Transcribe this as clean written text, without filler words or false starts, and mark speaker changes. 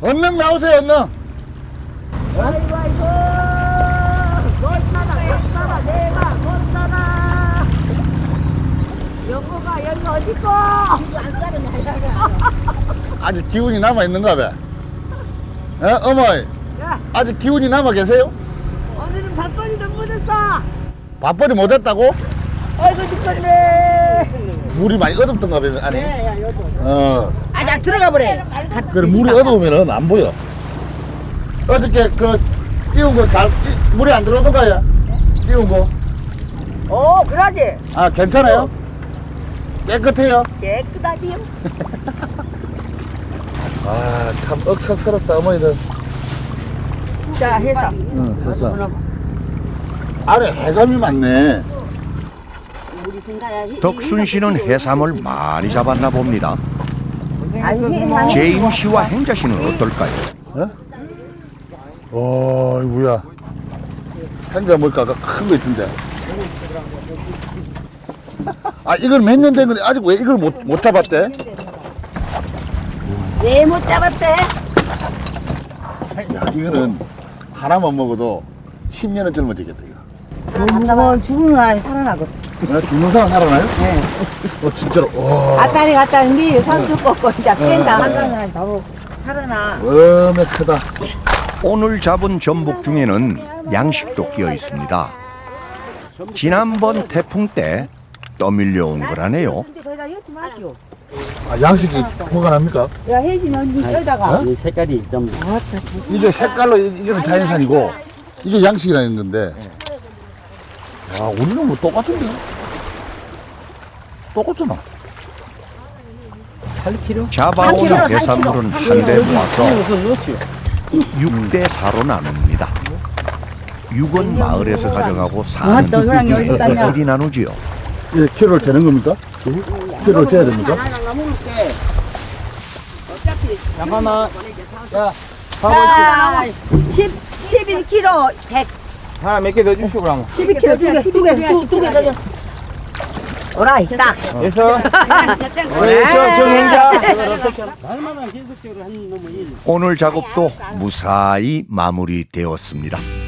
Speaker 1: 얼른 나오세요, 얼른.
Speaker 2: 아이고 아이고 못살아 내가 못살아 영호가 여기 어딨고
Speaker 1: 아직 기운이 남아있는가 봐. 어머니,
Speaker 2: 야
Speaker 1: 아직 기운이 남아 계세요?
Speaker 2: 오늘은 밥벌이도 못했어
Speaker 1: 밥벌이 못했다고?
Speaker 2: 아이고 죽겠네
Speaker 1: 물이 많이 어둡던가 봐, 아니?
Speaker 2: 아나 들어가 버려
Speaker 1: 그래, 물이 어두우면 안 보여. 어저께 띄운 거 물이 안 들어오던가요? 띄운 거.
Speaker 2: 오 그러지
Speaker 1: 아, 괜찮아요? 깨끗해요?
Speaker 2: 깨끗하지요
Speaker 1: 아, 참 억척스럽다, 어머니들.
Speaker 2: 자 해서
Speaker 1: 응, 됐어. 아래 해삼이 많네.
Speaker 3: 덕순 씨는 해삼을 많이 잡았나 봅니다.
Speaker 2: 아니
Speaker 3: 제임 씨와 행자 씨는 어떨까요?
Speaker 1: 어이구야. 행자 뭘까? 큰 거 있던데. 아, 이걸 몇 년 된 건데, 아직 왜 이걸 못 잡았대?
Speaker 2: 왜 못 잡았대
Speaker 1: 야, 이거는 하나만 먹어도 10년은 젊어지겠다, 이거.
Speaker 2: 한번 죽은 사람이 살아나거든
Speaker 1: 죽는 사람 살아나요? 네. 진짜로. 와,
Speaker 2: 아따리 갔다 미 산수 꺾고 이제 깬다 한다는 사람이 바로 살아나
Speaker 1: 엄에 크다.
Speaker 3: 오늘 잡은 전복 중에는 양식도 끼어 있습니다. 지난번 태풍 때 떠밀려온 거라네요.
Speaker 2: 근데 거기다 엿지 마시오
Speaker 1: 아, 양식이 보관합니까?
Speaker 2: 야 혜진 언니 여기다가
Speaker 4: 이 색깔이 좀
Speaker 1: 이게 색깔로, 이거는 자연산이고, 이게 양식이라는 건데. 아, 우리는 뭐 똑같은데? 똑같잖아.
Speaker 4: 8kg?
Speaker 3: 잡아온
Speaker 2: 3kg,
Speaker 3: 해산물은 한 대 모아서
Speaker 4: 무슨 넣었어요?
Speaker 3: 6대 4로 나눕니다. 6은 마을에서 가져가고
Speaker 2: 아, 너 그냥 여기
Speaker 3: 4는
Speaker 2: 있다냐?
Speaker 3: 우리끼리 나누지요.
Speaker 1: 예, 키로를 재는 겁니까? 키로를 재야 됩니까?
Speaker 4: 잠깐만. 야,
Speaker 2: 자 11kg 100
Speaker 4: 하나 몇 개 더 주시오 그러면.
Speaker 2: 12kg 두개 더 줘. 오라이 딱
Speaker 4: 그래서 저 행자. 날마다 계속적으로 한 놈은 일.
Speaker 3: 오늘 작업도 무사히 마무리되었습니다.